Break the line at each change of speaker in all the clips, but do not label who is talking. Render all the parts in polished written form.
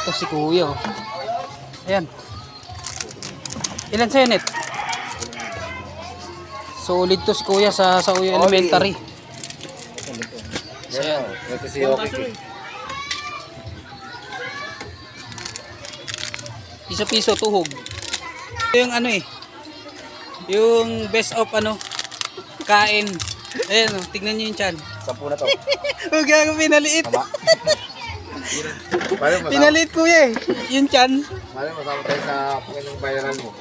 Ito si Kuya. Oh. Ayan. Ilan senet? Solid to si Kuya sa Uyo Elementary.
Ayan. Ito si Yoki.
Piso-piso tuhog. Ito yung ano eh. Yung best of ano kain. Ayan oh, tignan niyo yung tiyan.
10 na to.
Huwag ako pinaliit.
Tama.
Pinaliit Kuya eh. Yung tiyan.
Mali masama tayo sa Panginoong bayaran mo.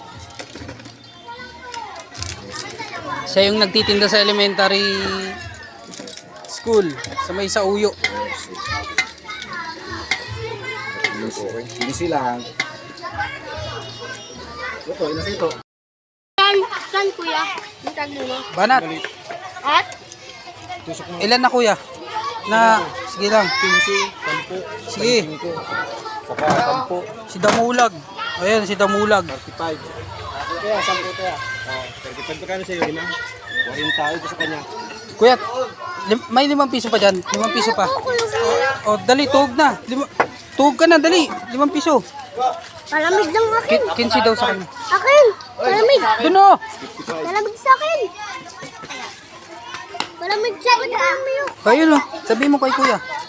Siya yung nagtitinda sa elementary school sa may sa Uyo.
Easy lang. Ito, inas ito.
Saan kuya? Yung tag mo.
Banat.
At?
Ilan na Kuya? Na, sige lang.
10,
Sige.
saka 10.
Si Damulag. Ayan, si Damulag.
35. Kaya, 10 kaya. 35 pa kano sa'yo, lima? 40 tayo sa kanya.
Kuya, may 5 piso pa dyan. 5 piso pa. O, dali, tuhog na. Tuhog ka na, dali. 5 piso.
Malamig lang akin.
15 daw sa kanya.
Akin! Malamig!
Doon o.
Malamig sa akin! Malamig sa akin!
Kayo no. Sabihin mo kay Kuya.